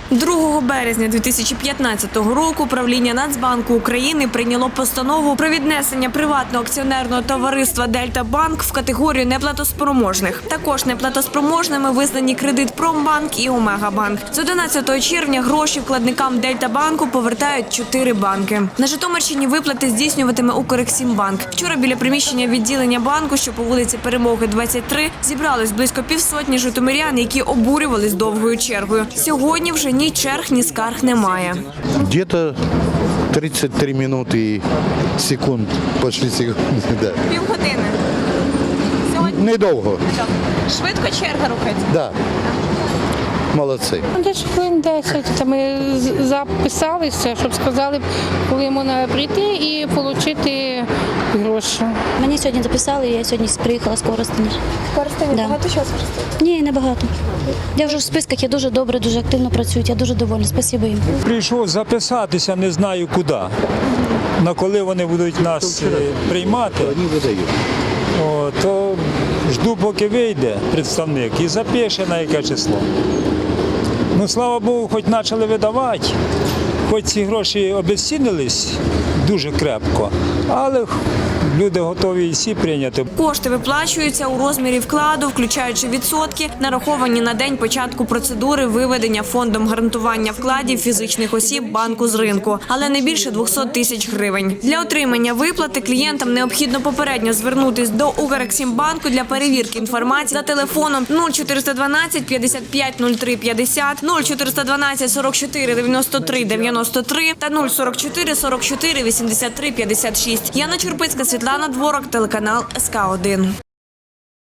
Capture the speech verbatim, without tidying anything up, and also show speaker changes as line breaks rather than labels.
другого березня дві тисячі п'ятнадцятого року правління Нацбанку України прийняло постанову про віднесення приватного акціонерного товариства «Дельта-Банк» в категорію неплатоспроможних. Також неплатоспроможними визнані «Кредитпромбанк» і «Омегабанк». З одинадцятого червня гроші вкладникам «Дельта-Банку» повертають чотири банки. На Житомирщині виплати здійснюватиме «Укрексімбанк». Вчора біля приміщення відділення банку, що по вулиці Перемоги, двадцять три, зібрались близько півсотні житомирян, які обурювались довгою чергою. Сьогодні вже ні черг, ні скарг немає.
Где-то тридцять три минуты и секунд, почти секунди, да.
Півгодини. Сьогодні
Недовго,
швидко черга рухається.
да. Молодці.
Десь хвилин десять. Та ми з- записалися, щоб сказали, коли можна прийти і отримати гроші.
Мені сьогодні записали, я сьогодні приїхала з Коростеня.
Коростені
Да.
багато часу користуєте?
Ні, небагато. Я вже в списках, я дуже добре, дуже активно працюють, я дуже довольна. Спасибо їм.
Прийшов записатися, не знаю куди. На коли вони будуть нас е, приймати,
Вони видають.
о, то жду, поки вийде представник і запише на яке число. Ну, слава Богу, хоч почали видавати, хоч ці гроші обезцінились дуже крепко, але люди готові і всі прийняти.
Кошти виплачуються у розмірі вкладу, включаючи відсотки, нараховані на день початку процедури виведення фондом гарантування вкладів фізичних осіб банку з ринку, але не більше двісті тисяч гривень. Для отримання виплати клієнтам необхідно попередньо звернутись до Укрексімбанку для перевірки інформації за телефоном нуль чотириста дванадцять п'ятдесят п'ять нуль три п'ятдесят, нуль чотириста дванадцять сорок чотири дев'яносто три дев'яносто три та нуль сорок чотири сорок чотири вісімдесят три п'ятдесят шість. Яна Чурпицька, Світлана Дворок, телеканал ес ка один.